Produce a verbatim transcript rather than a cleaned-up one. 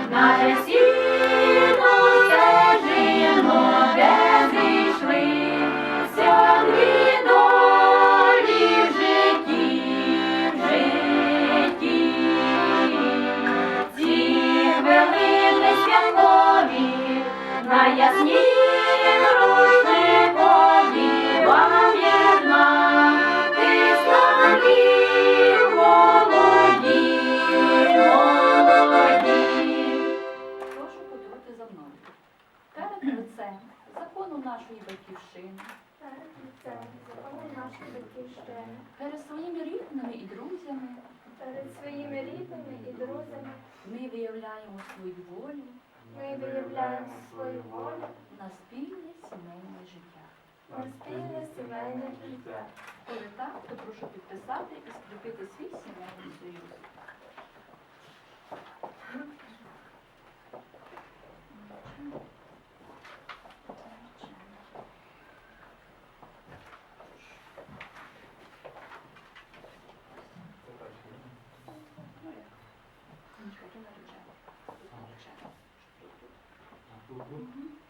на весільну стежину, де зійшлися дві долі в житті, в житті. Ці хвилини святкові, на яснім рушникові вам єднатись навік молоді, молоді. Прошу повторити за мною. Перед лицем закону нашої батьківщини, Перед лицем закону нашої батьківщини, перед своїми рідними і друзями перед своїми рідними і друзями ми виявляємо свою волю ми виявляємо свою волю на спільне сімейне життя. на спільне сімейне життя. Коли так, то прошу підписати і скріпити свій сімейний союз. Ну як? Нічого, то наречено. Тут наречено. Тут, тут. Мгм.